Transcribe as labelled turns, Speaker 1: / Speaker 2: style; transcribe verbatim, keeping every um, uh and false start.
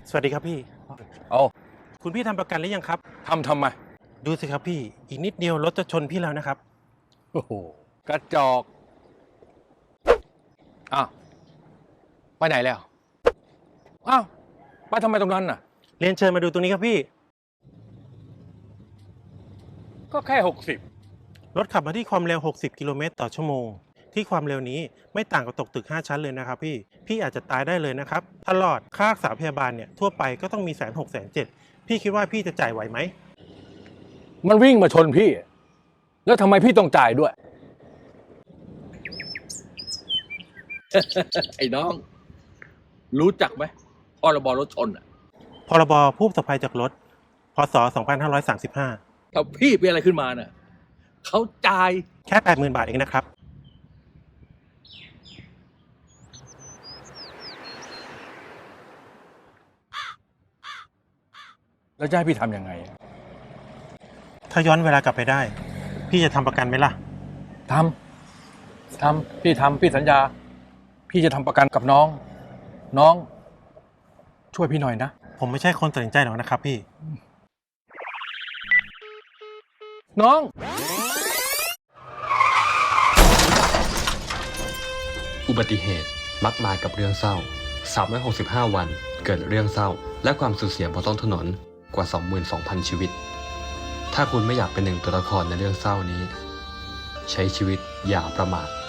Speaker 1: สวัสดีครับพี่
Speaker 2: เอา
Speaker 1: คุณพี่ทำประกันหรือยังครับ
Speaker 2: ทำทำไม
Speaker 1: ดูสิครับพี่อีกนิดเดียวรถจะชนพี่แล้วนะครับ
Speaker 2: โอ้โหกระจอกอ้าวไปไหนแล้วอ้าวไปทำไมตรงนั้นน่ะ
Speaker 1: เรียนเชิญมาดูตรงนี้ครับพี่
Speaker 2: ก็แค่หกสิบ
Speaker 1: รถขับมาที่ความเร็วหกสิบกิโลเมตรต่อชั่วโมงที่ความเร็วนี้ไม่ต่างกับตกตึกห้าชั้นเลยนะครับพี่พี่อาจจะตายได้เลยนะครับตลอดค่ารักษาพยาบาลเนี่ยทั่วไปก็ต้องมีแสนหกแสนเจ็ดพี่คิดว่าพี่จะจ่ายไหวไหม
Speaker 2: มันวิ่งมาชนพี่ แล้วทำไมพี่ต้องจ่ายด้วย
Speaker 3: ไอ้น้อง รู้จักไหมพรบรถชนอ่ะ
Speaker 1: พรบผู้ประสบภัยจากรถพศสองพันห้าร้อยสามสิบห้า
Speaker 3: ถ้าพี่เป็นอะไรขึ้นมาน่ะเขาจ่าย
Speaker 1: แค่ แปดหมื่น บาทเองนะครับ
Speaker 2: แล้วจะให้พี่ทำยังไง
Speaker 1: ถ้าย้อนเวลากลับไปได้ พี่จะทำประกันไหมล่ะ
Speaker 2: ทำทำพี่ทำพี่สัญญา พี่จะทำประกันกับน้อง น้อง ช่วยพี่หน่อยนะ
Speaker 1: ผมไม่ใช่คนตัดสินใจหรอกนะครับพี่
Speaker 2: น้อง
Speaker 4: อุบัติเหตุมักมากับเรื่องเศร้าสามร้อยหกสิบห้า วันเกิดเรื่องเศร้าและความสูญเสียบนท้องถนนกว่า สองหมื่นสองพัน ชีวิตถ้าคุณไม่อยากเป็นหนึ่งตัวละครในเรื่องเศร้านี้ใช้ชีวิตอย่าประมาท